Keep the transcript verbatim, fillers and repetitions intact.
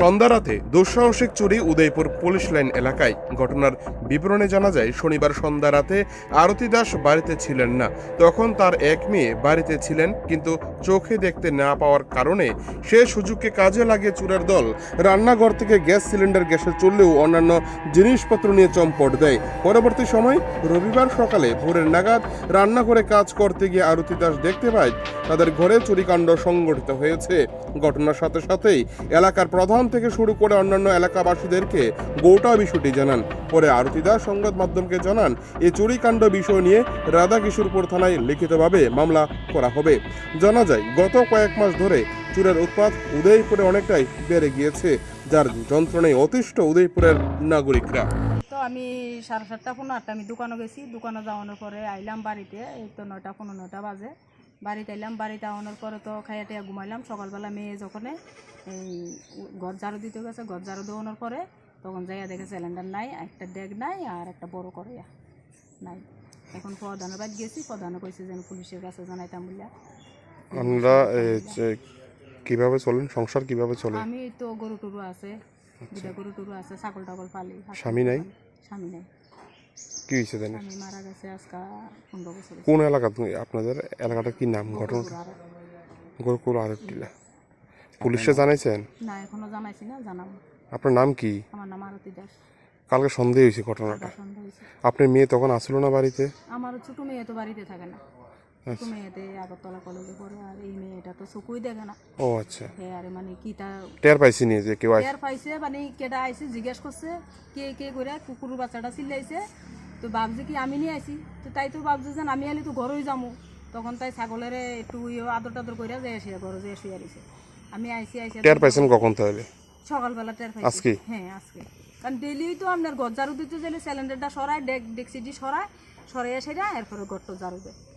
সন্ধ্যা রাতে দুঃসাহসিক চুরি উদয়পুর পুলিশ লাইন এলাকায়। ঘটনার বিবরণে জানা যায়, শনিবার সন্ধ্যা রাতে আরতি দাস বাড়িতে ছিলেন না। তখন তার এক মেয়ে বাড়িতে ছিলেন, কিন্তু চোখে দেখতে না পাওয়ার কারণে সে সুযোগকে কাজে লাগিয়ে চোরের দল রান্নাঘর থেকে গ্যাস সিলিন্ডার গ্যাসে চললেও অন্যান্য জিনিসপত্র নিয়ে চম্পট দেয়। পরবর্তী সময় রবিবার সকালে ভোরের নাগাদ রান্নাঘরে কাজ করতে গিয়ে আরতি দাস দেখতে পায় তাদের ঘরে চুরিকাণ্ড সংঘটিত হয়েছে। ঘটনার সাথে সাথেই এলাকার প্রধান থেকে শুরু করে অন্যান্য এলাকাবাসীদেরকে গোটা বিষয়টি জানান। পরে আরতি দাস সংবাদ মাধ্যমকে জানান, এই চুরিকাণ্ড বিষয় নিয়ে রাধাকিশোরপুর থানায় লিখিতভাবে মামলা করা হবে। জানা যায়, গত কয়েক মাস ধরে চোরের উৎপাত উদয়পুরে অনেকটাই বেড়ে গিয়েছে, যার যন্ত্রণায় অতিষ্ঠ উদয়পুরের নাগরিকরা। তো আমি সাড়ে সাতটা পনেরো আটটা আমি দোকানে গেছি। দোকানে যাওয়ানোর পরে আইলাম বাড়িতে, এই তো নয়টা পনেরো নয়টা বাজে বাড়িতে আইলাম। বাড়িতে আওয়ানোর পরে তো খাইয়া টাইয়া ঘুমাইলাম। সকালবেলা মেয়ে যখন এই ঘর ঝাড়ু দিতে গেছে, ঘর ঝাড়ু দেওয়ানোর পরে তখন যাইয়া দেখে সিলিন্ডার নাই, একটা ডেগ নাই, আর একটা বড় কড়াইয়া নাই। এখন প্রধানের বাড়ি গেছি, প্রধানে কইছে যেন পুলিশের কাছে জানাইতাম বলিয়া। আমরা কিভাবে চলেন, সংসার কিভাবে চলে? আমি তো গরু টরু আছে, দুটা গরু টরু আছে, ছাগল টাগল পালি। স্বামী নাই? স্বামী নাই। কি হয়েছে জানেন? আমি মারা গেছে আজকে পনেরো বছর। কোন এলাকা? আপনাদের এলাকাটা কি নাম? ঘটনা গোরকুল আরবটিলা। পুলিশে জানাইছেন? না, এখনো জানাইছি না, জানাবো। আপনার নাম কি? আমার নাম আরতি দাস। কালকে সন্দেহ হয়েছে ঘটনাটা। সন্দেহ হয়েছে। আপনার মেয়ে তখন আসলো না বাড়িতে? আমার ছোট মেয়ে তো বাড়িতে থাকে না। ছোট মেয়েতে আগরতলা কলেজে পড়ে, আর এই মেয়েটা তো চোখই দেখে না। ও আচ্ছা। হ্যাঁ, আর মানে কি তা টের পাইছি নিয়ে যে কেউ টের পাইছে, মানে কেটা আইছে জিজ্ঞেস করছে কে কে করে, কুকুর বাচ্চাটা চিল্লাইছে। তো ভাবছে কি আমি নিয়ে আইছি, তো তাই তো ভাবছে যে আমি আলি তো ঘরেই যাবো। তখন তাই ছাগলের একটু আদর টাদর করে যে এসে ঘরে যে শুয়ে আইছে। আমি আইসি আইসি টের পাইছেন কখন তাহলে? সকালবেলা টের পাইছি। আজকে? হ্যাঁ, আজকে। কারণ ডেলি তো আপনার ঘর ঝাড়ু দিতে গেলে সিলিন্ডারটা সরায়, ডেক ডেকসিটি সরায়, সরাইয়া সেটা এরপরে ঘরটা ঝাড়ু দেয়।